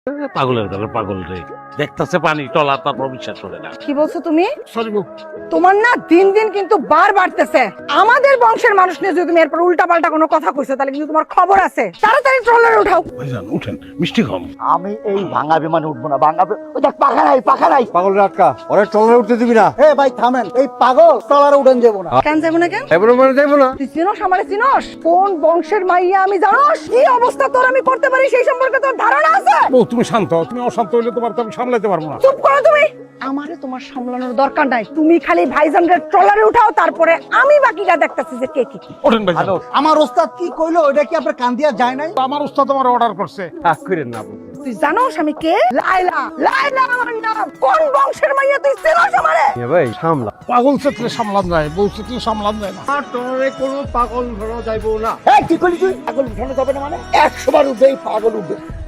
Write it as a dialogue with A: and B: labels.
A: পাগলের দলে পাগল রে, দেখতেছে পানি টলা, তারপর বিশ্বাস করে না।
B: কি বলছো তুমি?
A: সরি বউ।
B: তোমার না দিন দিন কিন্তু বার বাড়তেছে। আমাদের বংশের মানুষ নিয়ে যদি তুমি এরপর উল্টা পাল্টা কোনো কথা কইছো তাহলে কিন্তু তোমার খবর আছে। তাড়াতাড়ি ট্রলারে উঠাও।
A: ভাইজান উঠেন, মিষ্টি খাম।
C: আমি এই ভাঙা বিমানে উঠবো না, ওই দেখ পাখা নাই।
D: পাগল আটকা, ওরা ট্রলারে উঠতে দিবি না।
C: এ ভাই থামেন, এই পাগল ট্রলারে উঠেন যাবো না।
B: কেন যাবো না কেন?
D: এবারে মানে যাইবো না।
B: তুই চিনোস আমারে চিনোস? কোন বংশের মাইয়া আমি জানোস? কি অবস্থা তোর আমি করতে পারি সেই সম্পর্কে তোর ধারণা আছে?
A: বউ তুমি শান্ত, তুমি অশান্ত হইলে তোমার তো আমি সামলাতে পারবো না।
B: চুপ করো তুমি। আমারে তোমার সামলানোর দরকার নাই। তুমি খালি ভাইজানদের ট্রলারে উঠাও, তারপরে আমি বাকিটা দেখতেছি যে কে কি।
A: ওঠেন ভাইজান।
C: আমার ওস্তাদ কি কইলো ওটা কি আপনার কান দিয়া যায় নাই?
A: আমার উস্তাদ তোমার অর্ডার করছে।
D: রাগ করেন না।
B: তুই জানোস আমি কে? লাইলা। লাইলা আমার নাম। কোন বংশের মাইয়া তুই চিনোস আমারে?
D: এ ভাই সামলা।
A: পাগল চেতলে সামলান যায়, বউ চেতলে সামলান যায় না।
D: আর ট্রলারে কোনো পাগল ধরা যাইবো না।
C: এই কি করলি তুই? পাগল উঠানো যাবে না মানে 100 বার উঠবে, এই পাগল উঠবে।